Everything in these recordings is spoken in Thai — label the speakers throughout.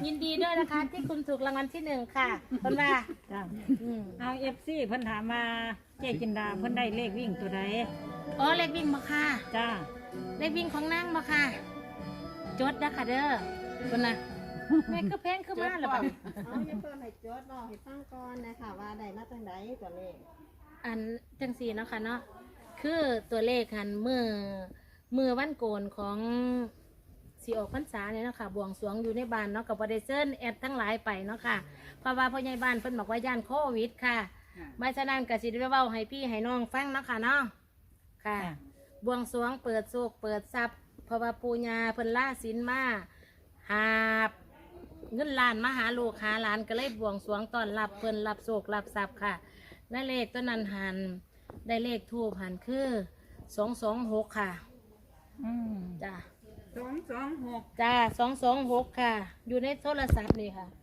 Speaker 1: ยินดีด้วยนะคะที่คุณถูกรางวัลที่1ค่ะคนว่า
Speaker 2: จ้าเอาFCเพิ่นถามมาเจ๊จินดาเพิ่นได้เลขวิ่งตัวใด
Speaker 1: อ๋อเลขวิ่งมาค่ะ
Speaker 2: จ้า
Speaker 1: เลขวิ่งของนั่งมาค่ะ จดนะค่ะเด้อคนน่ะแม่ก็แพงขึ้นมาแล้วบัดนี้
Speaker 3: เอาอย่าเพิ่มให้โจทย์บอกให้ฟังก่อนนะคะว่าได้มาจังไดตัวเลข
Speaker 1: อันจังสีเนาะค่ะเนาะคือตัวเลขหันมือวันโกนของสีออกพรรษาเนี่ยเนาะค่ะบวงสรวงอยู่ในบ้านเนาะกับประเดเซนแอดทั้งหลายไปเนาะค่ะเพราะว่าพ่อใหญ่บ้านเพิ่นบอกว่าย่านโควิดค่ะไม่ฉะนั้นก็สิได้เว้าให้พี่ให้น้องฟังเนาะค่ะเนาะค่ะ บวงสรวงเปิดโศกเปิดทรัพย์เพราะว่าปูญาเพิ่นล่าศีลมาหาบเงินล้านมาหาลูกหาหลานก็เลยบวงสรวงตอนรับเพิ่นรับโศกรับทรัพย์ค่ะและเลขตัวนั้นหันได้เลขทูบหันคือ226ค่ะ
Speaker 2: อืม
Speaker 1: จ้า
Speaker 3: 226
Speaker 1: จ้า226ค่ะ อยู่ในโทรศัพท์นี่ค่ะ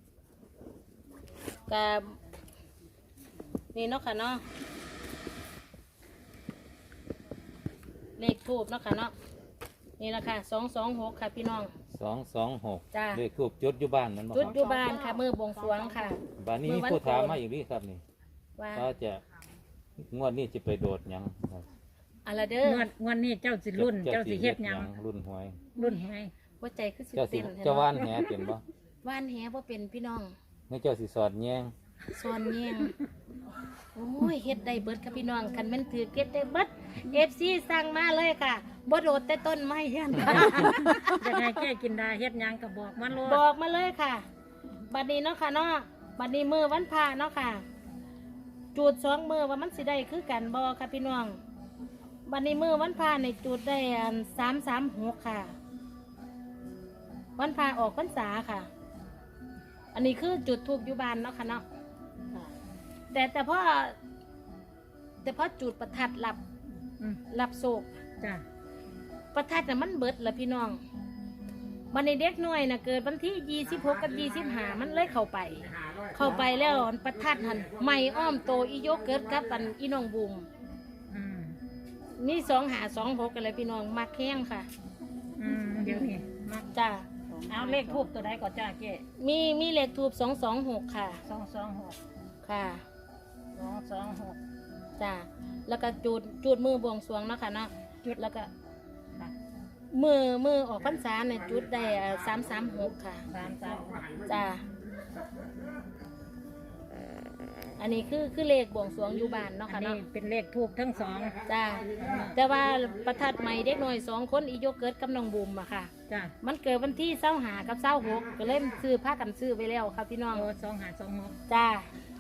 Speaker 1: กับนี่เนาะค่ะเนาะเลขทูบเนาะค่ะเนาะนี่แหละค่ะ226ค่ะพี่น้อง
Speaker 4: 226
Speaker 1: จ้า
Speaker 4: เลขทูบจุดอยู่บ้านมันบ่
Speaker 1: จุด
Speaker 4: ครับ
Speaker 1: อยู่บ้านค่ะมือบวงสรวงค่ะ
Speaker 4: บ้านนี้มีผู้ถามมาอีกนี่ครับนี่
Speaker 1: ว่า
Speaker 4: ก็จะงวดนี้จะไปโดดหยังครับ
Speaker 1: อะไรเด้อง
Speaker 2: วดนี้เจ้าสิรุ่นเจ้าสิเฮ็ดหยัง
Speaker 4: รุ่นหวย
Speaker 2: รุ่นไง
Speaker 1: ว่าใจคือสิ
Speaker 4: เจ้าสิ
Speaker 1: เต้น
Speaker 4: เจ้าว่านแหเป็นบ่
Speaker 1: ว่านแหว่าเป็นพี่น้อง
Speaker 4: นี่เจ้าสิสอดแยง
Speaker 1: ซอนแยงโอ้ยเฮ็ดได้เบิดค่ะพี่น้องคันแม่นถือเก็ดได้เบิดFCสั่งมาเลยค่ะบ่โดดแต่ต้นไม้ยันค่ะ
Speaker 2: จะให้เจ๊จินดาเฮ็ดหยังก็บอกมาโลด
Speaker 1: บอกมาเลยค่ะ บัดนี้เนาะค่ะเนาะบัดนี้มือวันพระเนาะค่ะ จูด2มือว่ามันสิได้คือกันบ่ค่ะพี่น้อง บัดนี้มือวันพระในจูดได้อัน336ค่ะ วันพระออกพรรษาค่ะ อันนี้คือจุดทูบอยู่บ้านเนาะค่ะเนาะ
Speaker 3: ค่ะ
Speaker 1: แต่พอจุดประทัดรับ
Speaker 2: อืม
Speaker 1: รับโศก
Speaker 2: จ้า
Speaker 1: ประทัดน่ะมันเบิดละพี่น้องวันในเด็กน้อยน่ะเกิดวันที่26กับ25มันเลยเข้าไปแล้วประทัดหันไม่อ้อมโตอีโยเกิดกับอันอีน้องบูม
Speaker 2: อืม
Speaker 1: นี่2526กันเลยพี่น้องมักแห้งค่ะ
Speaker 2: อืมเดี๋ยวนี้มา
Speaker 1: จ้า
Speaker 2: เอาเลขทูบตัวใดก่อนจ้าเจ๊
Speaker 1: มีเลขทูบ226ค่ะ
Speaker 2: 226
Speaker 1: ค่ะ
Speaker 2: 226
Speaker 1: จ้าแล้วก็จุดมือบวงสรวงเนาะค่ะเนาะ
Speaker 2: จุด
Speaker 1: แล้วก็
Speaker 2: ค่ะ
Speaker 1: มือออกพรรษาเนี่ยจุดได้336ค่ะ
Speaker 2: 336
Speaker 1: จ้า อันนี้คือเลขบวงสรวงอยู่บ้านเนาะ
Speaker 2: อั
Speaker 1: ค่ะ
Speaker 2: นนี้
Speaker 1: เนาะ
Speaker 2: เป็นเลขทูบทั้งสอง
Speaker 1: จ้า แต่ว่าประทัดใหม่เด็กหน่อย2คนอีโยเกิร์ตกับน้องบุมอะค่ะ
Speaker 2: จ้า
Speaker 1: มันเกิดวันที่25กับ26ก็เลยซื้อผ้ากันซื้อไปแล้วค่ะพี่น้อง
Speaker 2: โอ้2526
Speaker 1: จ้า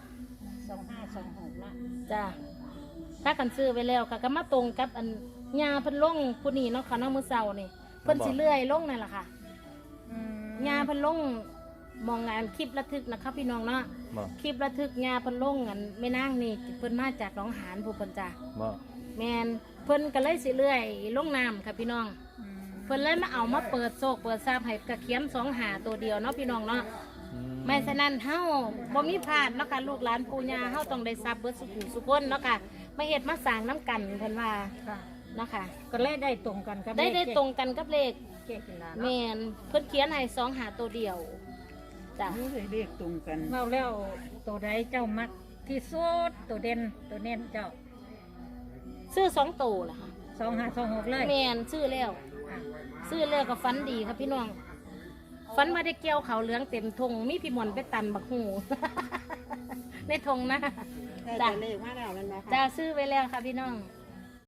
Speaker 2: 2526ละ
Speaker 1: จ้าผ้ากันซื้อไปแล้วค่ะก็มาตรงกับอันยาเพิ่นลงผู้นี้เนาะค่ะเนาะมื้อเช้านี่เพิ่นสิเลื่อยลงนั่นแหละค่ะ
Speaker 2: อืม
Speaker 1: ยาเพิ่นลงมองงานคลิประทึกนะคะพี่น้องเนาะ
Speaker 4: บ่
Speaker 1: คลิประทึกยาเพิ่นลงอันแม่นางนี่เพิ่นมาจากหนองหานผู้เพิ่นจ้า
Speaker 4: บ่
Speaker 1: แมนเพิ่นก็เลยสิเลื่อยลงน้ำค่ะพี่น้อง
Speaker 2: อืม
Speaker 1: เพิ่นเลยมาเอามาเปิดโซกเปิดซาบให้กระเขียน2หาตัวเดียวเนาะพี่น้องเนาะ
Speaker 4: อื
Speaker 1: ไม่ฉะนั้นเฮาบ่มีพลาดเนาะค่ะลูกหลานปู่ย่าเฮาต้องได้ทรัพย์เบิดสุขุสุคนเนาะค่ะมาเฮ็ดมาสร้างน้ำกันเพิ่นว่า
Speaker 2: ค่ะ
Speaker 1: เนาะค่ะ
Speaker 2: ก็เลยได้ตรงกันกับ
Speaker 1: ได้
Speaker 2: เลข
Speaker 1: ตรงกันกับเลข
Speaker 2: เจ๊จินดา
Speaker 1: แม
Speaker 2: เนาะ
Speaker 1: นเพิ่นเขียนให้2หาตัวเดียวจ้ะ
Speaker 3: นี่เลยเรียกตรงกัน
Speaker 2: เมาแล้วตัวใดเจ้ามักที่สุดตัวเด่นตัวเน้นเจ้า
Speaker 1: ซื้อ2ตัวล่ะค่ะ
Speaker 2: 2526เลย
Speaker 1: แมนซื้อแล้ว
Speaker 2: ค่ะ
Speaker 1: ซื้อแล้วก็ฝันดีครับพี่น้องฝันว่าได้เกี่ยวเขาวเหลืองเต็มทงมีพี่มนต์ไปตันบักหู ในทงนะ
Speaker 3: ได้
Speaker 1: จ้ะ
Speaker 3: ตัวเลขมาแล้วนั่นนะคะ
Speaker 1: จ้าซื้อไว้แล้วค่ะพี่น้อง
Speaker 3: ค